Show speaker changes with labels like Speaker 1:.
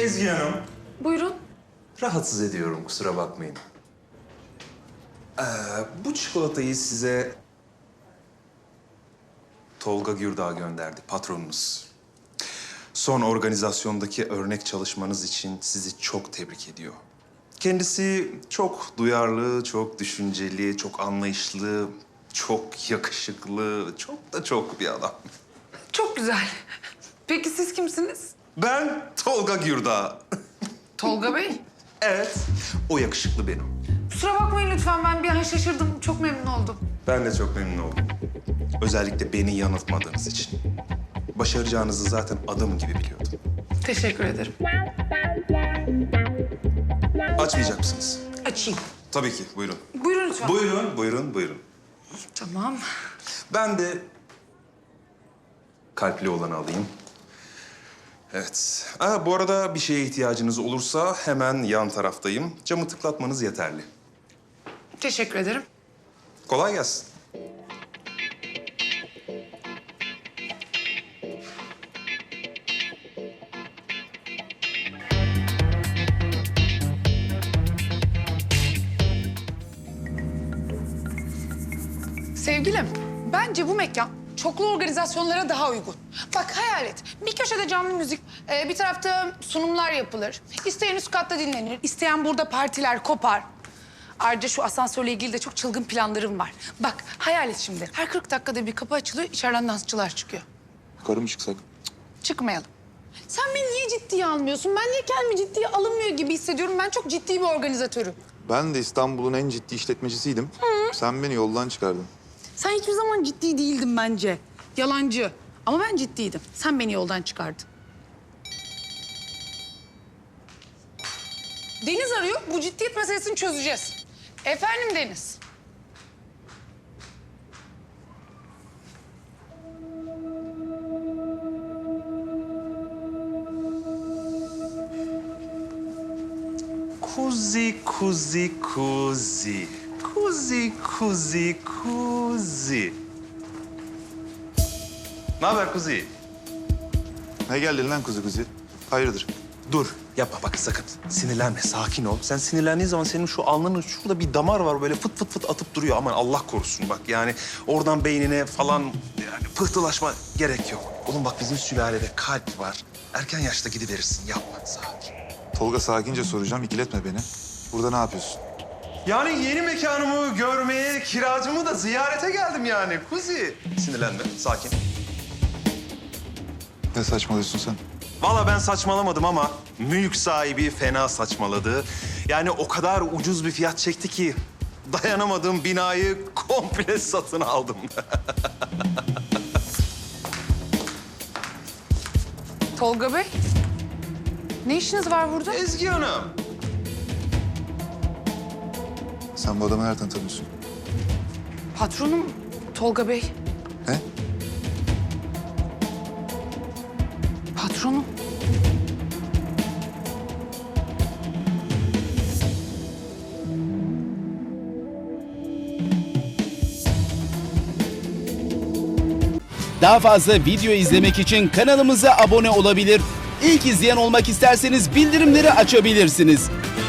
Speaker 1: Ezgi Hanım.
Speaker 2: Buyurun.
Speaker 1: Rahatsız ediyorum, kusura bakmayın. Bu çikolatayı size Tolga Gürdağ gönderdi, patronunuz. Son organizasyondaki örnek çalışmanız için sizi çok tebrik ediyor. Kendisi çok duyarlı, çok düşünceli, çok anlayışlı, çok yakışıklı, çok bir adam.
Speaker 2: Çok güzel. Peki siz kimsiniz?
Speaker 1: Ben Tolga Gürdağ.
Speaker 2: Tolga Bey.
Speaker 1: Evet, o yakışıklı benim.
Speaker 2: Kusura bakmayın lütfen, ben bir an şaşırdım. Çok memnun oldum.
Speaker 1: Ben de çok memnun oldum. Özellikle beni yanıltmadığınız için. Başaracağınızı zaten adım gibi biliyordum.
Speaker 2: Teşekkür ederim.
Speaker 1: Açmayacak mısınız?
Speaker 2: Açayım.
Speaker 1: Tabii ki, buyurun.
Speaker 2: Buyurun lütfen.
Speaker 1: Buyurun.
Speaker 2: Tamam.
Speaker 1: Ben de kalpli olanı alayım. Evet. Bu arada bir şeye ihtiyacınız olursa hemen yan taraftayım. Camı tıklatmanız yeterli.
Speaker 2: Teşekkür ederim.
Speaker 1: Kolay gelsin.
Speaker 2: Sevgilim, bence bu mekan çoklu organizasyonlara daha uygun. Bak hayal et, bir köşede canlı müzik, bir tarafta sunumlar yapılır. İsteyen üst katta dinlenir, isteyen burada partiler kopar. Ayrıca şu asansörle ilgili de çok çılgın planlarım var. Bak hayal et şimdi, her 40 dakikada bir kapı açılıyor, içeriden dansçılar çıkıyor.
Speaker 3: Yukarı mı çıksak?
Speaker 2: Çıkmayalım. Sen beni niye ciddiye almıyorsun? Ben niye kendimi ciddiye alınmıyor gibi hissediyorum? Ben çok ciddi bir organizatörüm.
Speaker 3: Ben de İstanbul'un en ciddi işletmecisiydim. Sen beni yoldan çıkardın.
Speaker 2: Sen hiçbir zaman ciddi değildin bence. Yalancı. Ama ben ciddiydim. Sen beni yoldan çıkardın. Deniz arıyor. Bu ciddiyet meselesini çözeceğiz. Efendim Deniz.
Speaker 1: Kuzi. Ne haber Kuzi?
Speaker 3: Ne geldin lan kuzu kuzu? Hayırdır?
Speaker 1: Dur, yapma bak sakın. Sinirlenme, sakin ol. Sen sinirlendiğin zaman senin şu alnının şurada bir damar var böyle fıt fıt fıt atıp duruyor. Aman Allah korusun bak yani oradan beynine falan yani pıhtılaşma gerek yok. Oğlum bak bizim sülalede kalp var. Erken yaşta gidiverirsin, yapma sakin.
Speaker 3: Tolga sakince soracağım, ikiletme beni. Burada ne yapıyorsun?
Speaker 1: Yani yeni mekanımı görmeye, kiracımı da ziyarete geldim yani Kuzi. Sinirlenme, sakin.
Speaker 3: Ne saçmalıyorsun sen?
Speaker 1: Vallahi ben saçmalamadım ama mülk sahibi fena saçmaladı. Yani o kadar ucuz bir fiyat çekti ki dayanamadığım binayı komple satın aldım.
Speaker 2: Tolga Bey. Ne işiniz var burada?
Speaker 1: Ezgi Hanım.
Speaker 3: Sen bu adamı nereden tanıyorsun?
Speaker 2: Patronum Tolga Bey.
Speaker 3: Ne?
Speaker 2: Patronum.
Speaker 4: Daha fazla video izlemek için kanalımıza abone olabilir. İlk izleyen olmak isterseniz bildirimleri açabilirsiniz.